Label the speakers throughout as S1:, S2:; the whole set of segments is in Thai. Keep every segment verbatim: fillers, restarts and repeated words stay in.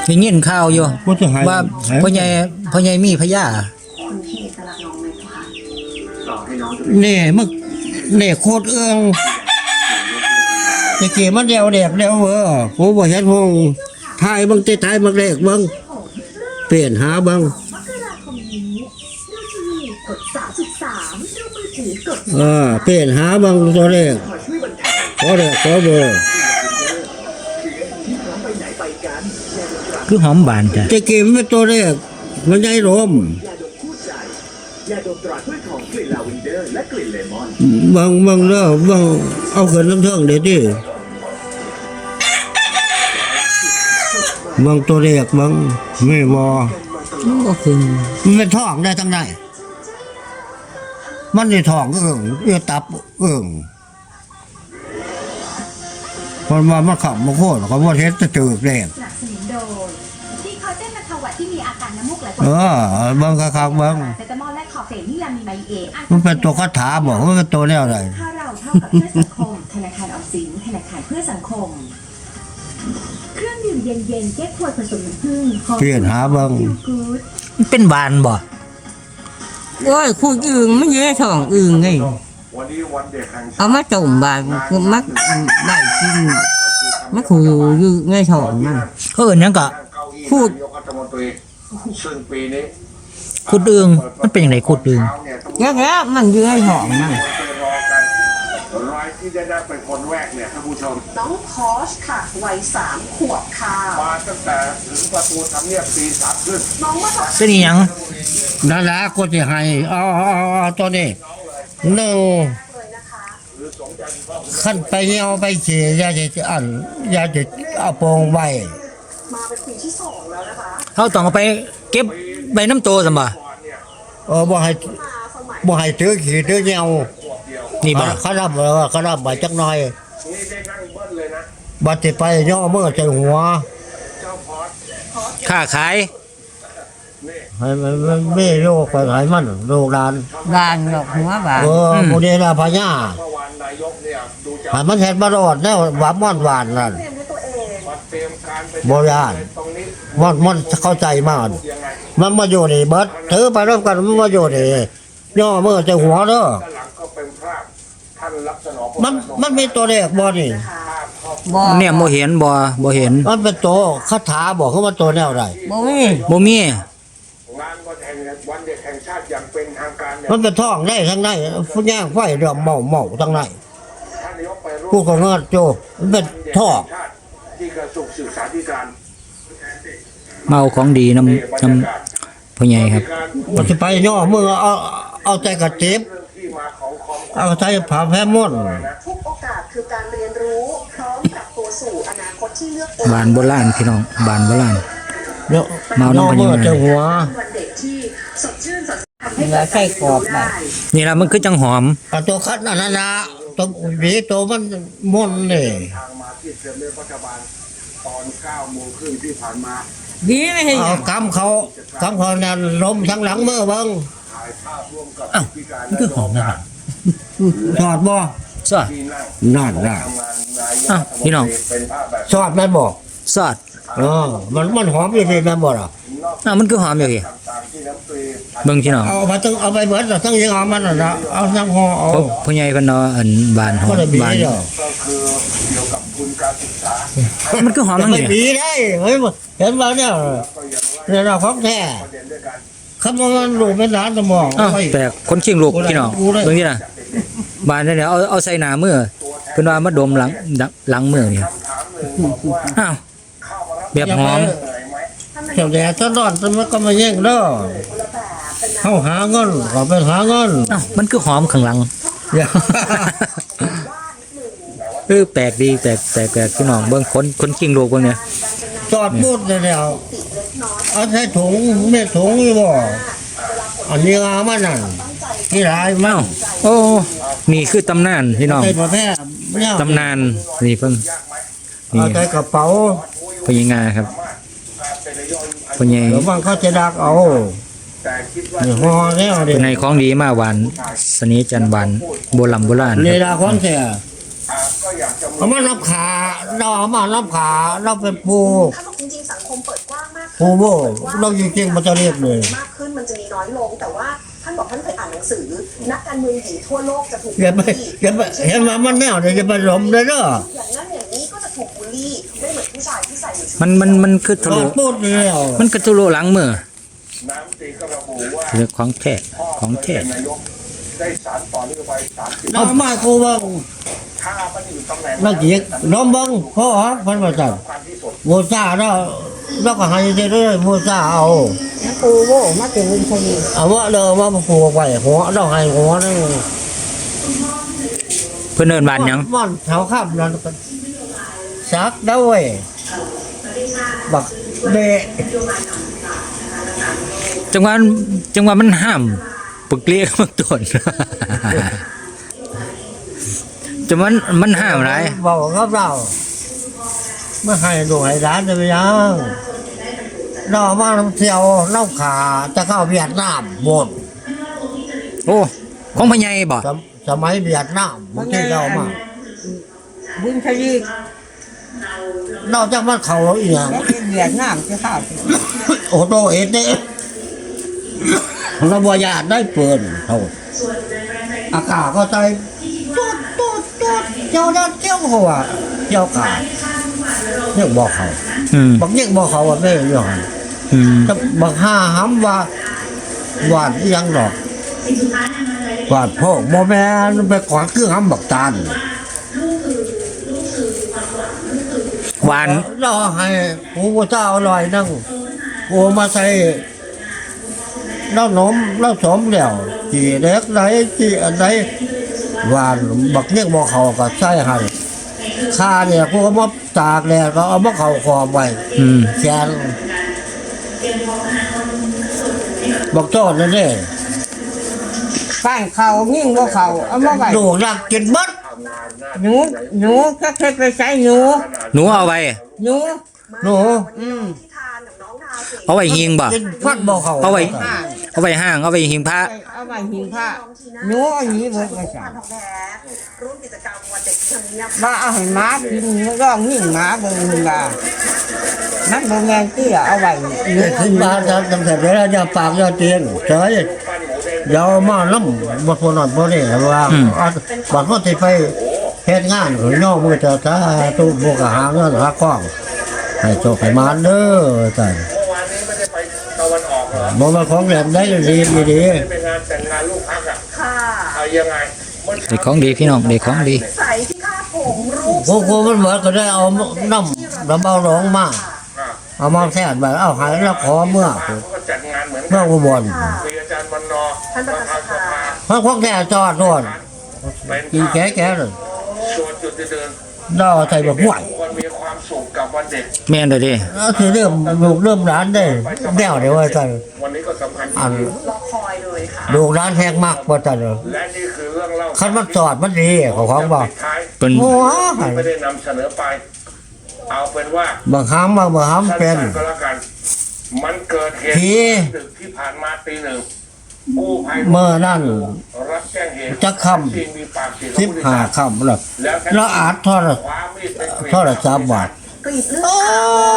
S1: ได้ยินข่าวอยู่ว่าพ่อใหญ่พ่อใหญ่มีพญา
S2: นี่มึกนี่โคตรเอื้องตะกี้มันเดียวเด็กเดียวเออกูบ่เห็นพงทายบางตีทายบางเด็กบางเปลี่ยนหาบางเออเปลี่ยนหาบางตัวเลขขอเด็กขอเบอร์
S1: คือหอมบานจ้ะ
S2: ตะกี้มันตัวเลขมันใหญ่รม
S3: ยาดมตราถ้วยของกลิ่นลาเวนเดอร์และกลิ่นเลมอน
S2: บางบางเด้อบางเอาเขินน้ำเทิงเด็ดดิบางตัวเลขบางไม่บอ
S1: ก็คือ
S2: มันเป็นท้องได้ทั้งไหนมันในท้องเอิ่งเอื้อตับเอิ่งพอมามันขับมาโคตรเขาว่าเฮ็ดจะจืดแรง
S4: สนับสนุนโดยที่คอเจนบรรเทาหวัดที่มีอาการน้ำมูกไหล
S2: เออบางคักๆบาง
S4: เซตามอลและคอเฟอีนนี่ลามีไมเอ
S2: มันเป็นตัวคาถาบอกว่าเป็นตัวแนวอะไร
S4: ถ้าเราเท่ากับเพื่อสังคมธนาคารออมสินธนาคารเพื่อสังคมเครื่องดื่มเย็นๆแก้ขวดผสมน้ำผึ้ง
S2: เปลี่ยนหาบาง
S1: มันเป็นบานบ่
S5: โอ้ยคุณอึ่งไม่เยอะท้องอึ่งไงเอามาจุ่มบานคือมักได้กินมักขู่อยู่ไงท้องมัน
S1: เขาเอิ้นหยังก็
S5: พูด
S3: ซึ่งปีนี้
S1: ขุดอึ่งมันเป็นจังได๋ขุดอึ่ง
S5: แล้วแล้วมันอยู่ไงท้องมัน
S3: รายที่จะได้เป็นคนแรกเนี่ยท่านผู้ชม
S4: น้องพอชค่ะวัยสามขวบค่ะ
S3: มาตั้งแต่ถึงประตูทำเนียบปีสามขึ้น
S4: น้องมาจาก
S1: เป็นอีหยัง
S2: นั่นแหละก็จะให้เอาเอาตัวนี้หนึ่งขั้นไปเหี่ยวไปเฉียยาจะอันยาจะเอาโปงไว้
S4: มาเป็นปีที่สองแล้วนะคะ
S1: เขาต้องเอาไปเก็บใบน้ำโตซั่นบ่
S2: เออบ่ให้บ่ให้ถือขี้ถือเหี่ยว
S1: นี่บ่
S2: เขารับเออเขารับใบจักหน่อยบัดสิไปย่อมือใส่หัว
S1: ค้าขาย
S2: ให้มันไม่โรคไปหายมันโรคดาน
S5: บานดอกหัวบาน
S2: เออโมเดลพญาหายมันเห็ดมารอดแน่หวานม่อนหวานนั่นโบราณมันมันเข้าใจมากมันมาอยู่นี่เบิดถือไปร่วมกันมันมาอยู่นี่ย่อมือใส่หัวเด้อมันมันมีตัวเลขบ่นี่
S1: บ่เนี่ยบ่เห็นบ่บ่เห็น
S2: มันเป็นตัวคาถาบอกเขาว่าตัวแนวใด
S5: บ่มี
S1: บ่มี
S3: งานวันแห่งวันเด็กแห่งชาติอย่างเป็นทางการ
S2: มันเป็นท้องได้ทั้งในฟุ้งย่างไฟเดือดเมาเมาทั้งในผู้ของเงินโจมันเป็นท้อง
S3: ที่กระทรวงศึกษาธิการ
S1: เมาของดีน้ำน้ำพ่อใหญ่ครับ
S2: มันจะไปย่อมือเอาเอาใจกระเจ็บเอาใจผ่าแพ้ม่อน
S4: ทุกโอกาสคือการเรียนรู้พร้อมกับตัวสู่อนาคตที่เลือกเอง
S1: บานโบราณพี่น้องบานโบราณ
S2: เนาะเมาน้ำมันจะหัว
S4: วันเด็กที่สดชื่นสด
S5: ทำให้ใส่กรอบได้
S1: นี่ล่ะมันคือจังหอม
S2: ตัวคัดนั่นนะตัวหวีตัวมันม่อนเลย
S3: ทางมาที่เซ็นเตอร์รัฐบาลตอนเก้าโมงครึ่งที่ผ่านมา
S5: ดีไม่เห็น
S2: เอากำเขากำเขานั่นลมทั้งหลังเมื่อบัง
S1: อ้าวมันคือหอมนะ
S2: สอดบ่
S1: สอด
S2: นั่นน่ะ
S1: อ้าวพี่น้อง
S2: สอดแม่นบ่
S1: สอด
S2: เออมันมันหอมอยู่ที่แม่นบ่ล่ะ
S1: อ้าวมันคือหอมอยู่พี่เบิ่งพี่น้อง
S2: เอาไปต้องเอาไปเบิดทั้งยังหอมมันน่ะเอาทั้งห่อเอา
S1: พ่อใหญ่เพิ่นเนาะอันบานหอมบาน
S3: ก็คือเกี่ยวกับทุนการศึกษา
S1: มันคือหอมจังนี่
S2: ดีได้เฮ้ยเห็นบ่เนี่ยเนี่ยเราของแท้คำว่ามันลูกเป็นหลานสมอง
S1: แต่คนเชียงลูกพี่น้องเบิ่งนี่น่ะบานเนี่ยเอาเอาใส่หน้ามือเพิ่นว่ามาดมหลังหลังมือนี่อ้าวแบบหอม
S2: เจ้าแดดตลอดมันก็มาแย่งเด้อเฮาหาเงินก็ไปหาเงิน
S1: อ้าวมันคือหอมข้างหลังเออแปลกดีแปลกแปลกแปลกพี่น้องเบิ่งคนคนเชียงลูกเบิ่งเนี่ย
S2: จอดพูดแล้วเอาใส่ถุงไม่ถุงอยู่บ่อันนี้งามันนั่นนี่หลายมั้ง
S1: โอ้นี่คือตำนานพี่น้องตำนานนี่เพิ่ง
S2: นี่เอาใส่กระเป๋า
S1: พญางาครับพญา
S2: เดี๋ยวบางเขาจะดักเอานี่ห่อแล้ว
S1: เป็นในของดีมาหวานสนิจันหวานโบราณโบราณ
S2: นี่ละของแท้
S3: ก็อยากจะ
S2: เอามารับขาเราเอามารับขาเราเป็นปู
S6: ถ้าบอกจริงๆสังคมเปิดกว้างมาก
S2: ปูโบเราจริงๆมันจะเรียกเลย
S6: มากขึ้นมันจะมีน้อยลง แต่ว่าท่านบอกท่านเคยอ่านหนังสือ นักการเมืองหญิงทั่วโลกจะถูก
S2: อย่าไป
S6: บูลลี่
S2: อย่าไปเห็นมามันแนวเดี๋ยวจะไปหลมเลยเด้อ
S6: อย่างนั้นอย่างนี้ก็จะถูกบูลลี่ไม่เหมือนผู้ชายที่ใส่อยู่ชุด
S1: มันมันมันคือทะ
S2: ตอ
S1: ลุ
S2: นพูดเลยอ่ะ
S1: มันคือทะลุหลังมือ
S3: น้ำตีก็ระบุว่า
S1: เรื่องของแท้ของแท้
S3: นายกได้สารต่อนโยบายสามสิบ
S2: เรามากูว่า
S3: ถ้ามันอยู่ตำแหน่ง
S2: เราเกียกน้องบังพ่อพันประจัน
S3: ความที่สุด
S2: โมซาเราเราก็ให้ได้เลยโมซาเอา
S5: ปูโบมาเป็นลุงชนี
S2: เอาว่าเราว่ามาผูกไว้หัวเราให้หัวนั่น
S1: เพิ่นเอิ้นบ้านหยัง
S2: ม่อนแถวข้ามนั่นก็ซักได้เว้ยบักเบะ
S1: จังหวะจังหวะมันห้ามปึกเลียกมันต้น จังหวะมันห้ามหลาย
S2: บอกกับเราไม่ให้ดูให้ร้านจะไปยังเรามาทำเที่ยวเล่าขาจะเข้าเวียดนามหมด
S1: โอ้ของพ่อใหญ่บ่
S2: สมสมัยเวียดนามบางทีเรามา
S5: บุญชนี
S2: นอกจากมันเขาอีกอย่าง
S5: แล้วเป็นเวียดนามจะข้าว
S2: โอ้โตเอ็ดเนี่ยเราบอยากได้เปิดเขาอากาศก็ใจตุ๊ดตุ๊ดตุ๊ดเจ้าด้านเจ้าหัวเจ้ากาเนี่ยบอกเขา
S1: อืม
S2: บางเนี่ยบอกเขาว่าไม่ยอม
S1: อืม
S2: จะบางห้าห้ำว่าหวานอีหยังดอกหวานพ่อโมแม่นไปขวางเครื่องห้ำบักตาล
S1: หวาน
S2: รอให้หูเจ้าอร่อยนั่งโอมาใส่เล่านมเล่าสมแล้วจีเล็กไหนจีอันไหนหวานบักเนี่ยบอกเขาก็ใส่ให้ข้าเนี่ยพวกมาตากแดดก็เอามาเขาคอไว้
S1: อืม
S2: แขนบักโจ้นั่นเอง
S5: ป้านเขายิ่งบ่เขาเอามาไว้
S2: ดูรักกินบัด
S5: หนูหนูแค่แค่ไปใช้หนู
S1: หนูเอาไว้
S5: หนู
S2: หนู
S5: อืม
S6: ที่ทานกับน้องทาสิ
S1: เอาไว้หิงบ่
S2: กินพัดบอกเขา
S1: เอาไว้
S5: อ่า
S1: เอาไว้ห้างเอาไว้หิงพระ
S5: เอาไว้หิงผ้าหนูเอาหนีเบิดมาสั่
S6: ทานทองแท้ร่วมกิจกรรมวันเด็กที่ทำเนียบ
S5: ว่าเอาให้หมากินร้องยิ่งหมาเบิ่งมันว่ามันบ่แม่นเตี้ยเอาไว้หนู
S2: เด็กขึ้นบ้านจะทำเสร็จแล้วอย่าปากอย่าเตียนเฉยเดี๋ยวมาล้ำบทพนอนพอนี่ว่าบัดว่าที่ไปเฮ็ดงานหรือนอกมือจะถ้าตู้บกหาเงินหากล้องให้โชคให้มานเด้อจ้ะ
S3: เมื่อวานนี้ไม่ได้ไปตะวันออกเหรอ
S2: บ่มาของแหลมได้ดีดี
S3: ไม่ได้ไปงานแต่งงานลูกพักอ่ะ
S6: ค่ะ
S3: เอายังไงมัน
S1: เด็กของดีพี่น้องเด็กของดี
S6: ใส่ที่คาดผมรูป
S2: พวกพวกมันเหมือนก็ได้เอาน้ำน้ำเบาร้องมา
S3: อ่ะ
S2: เอามาแทนไปเอาหายแล้วขอเมื่อ
S3: เขาก็จัดงานเหมือน
S2: เมื่
S3: กั
S2: อน อุบล
S3: มีอาจารย์วันนอ
S6: ท่านประธานสภา
S2: เพราะพวกแกจอดโน่น
S3: เป็น
S2: กินแก่แก่เลย
S3: ส่วนจุดเดิน
S2: เราใส่แบบห่วย
S3: ควรมีความสุขกับวันเด็ก
S1: แม่นเด้อเดิ
S2: แล้วคือเริ่มลูกเริ่มร้านได้แนวเดียวไอ้ใจ
S3: วันนี้ก็สำคัญ
S2: อัน
S6: รอคอยเลยค่ะ
S2: ลูกร้านแพงมากกว่าจันเลย
S3: และนี่คือเรื่องเล่า
S2: คันมันจอดมันดีของของบอก
S3: ปิดท้าย
S1: เป็น
S2: โอ้ย
S3: ไม่ได้นำเสนอไป เอาเป็นว่า
S2: บางครั้งบางบางครั้งเป็น
S3: สั้นๆก็แล้วกัน มันเกิดเหตุ
S2: ผี
S3: ดึกที่ผ่านมาตีหนึ่งกู้ภัย
S2: เมื่อนั่น
S3: รับแจ้งเหตุ
S2: จะค่ำ
S3: ที่มีปากเสียง
S2: สิบห้าคำแล้ว
S3: แล้ว
S2: แล้วอาจทอด
S3: คว้ามีดไปกรีด
S2: ทอดสามบาท
S6: กรีดเลือด
S2: โอ้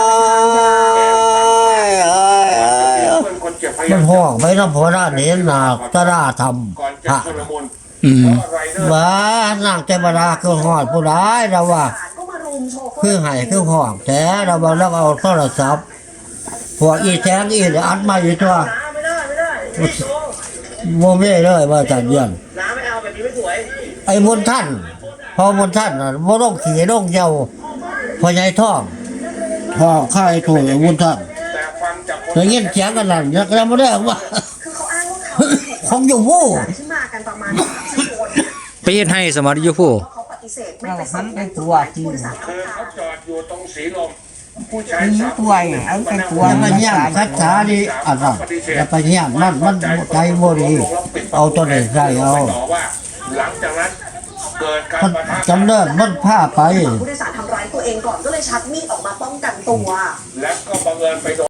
S2: ยโอ้ยโอ้ย
S3: เพื่อนคนเจ็บพ
S2: มั
S3: ยาน ยาม
S2: ห้องไปน้ำพอด้านนี้นาตาราท
S3: ก่อนจะ
S2: ำฮะ
S3: ชุลมุน
S1: อืม
S3: เพราะไรเดอร์
S2: บ้านางเจบดาคือหอดผู้ร้ายเราว่า
S6: ก็มารุมโชว์
S2: คือไห้คือห้องแต่เราบอกแล้วเอาโทรศัพท์พวกอีแทงอีอัดมาอยู่ตัว
S3: น้าไม่ได้ไม่ได้ไม่โกง
S2: โมเม่เลยว่าจัดเยี่ยน
S3: น้าไม่เอาแบบนี้ไม่สวย
S2: ไอ้มนท่าน พอมนท่านน่ะบ่ต้องขี่ต้องเยาพอใหญ่ท่องท่องข้าไอ้ถูกไอ้มนท่าน
S3: แต่ฟังจากคน
S2: แต่เงี้ยเสียงกันนั่นยังยังไม่ได้ว่า
S6: คือเขาอ้างว่าเขา
S2: ของอยู่ผู้
S6: ที่มากันประมาณสิบคน
S1: ไปเฮ็ดให้สมรยุผู้
S6: เขาปฏิเสธไม่
S5: เรา
S6: ไปส่ง
S5: ทำเป็นตัวที่
S6: ผู้โดยสาร
S3: คือเขาจอดอยู่ตรงสีลมผู้ชาย
S5: มี
S3: สาม
S5: ตัวเนี่ยเอาเป็นตัว
S2: อย่ามาเยี่ยมคัดช้าดีอันนั้นอย่าไปเยี่ยมมันมันใจบ่ดีเอาตัวไหนใส่เอา
S3: ต่อว่า หลังจากนั้นเกิดการ
S2: มัน
S3: ปะทะ
S2: จำเนินมันผ้าไป
S6: ผู้โดยสารทำร้ายตัวเองก่อนก็เลยชักมีดออกมาป้องกันตัว
S3: และก็บังเอิญไปโดน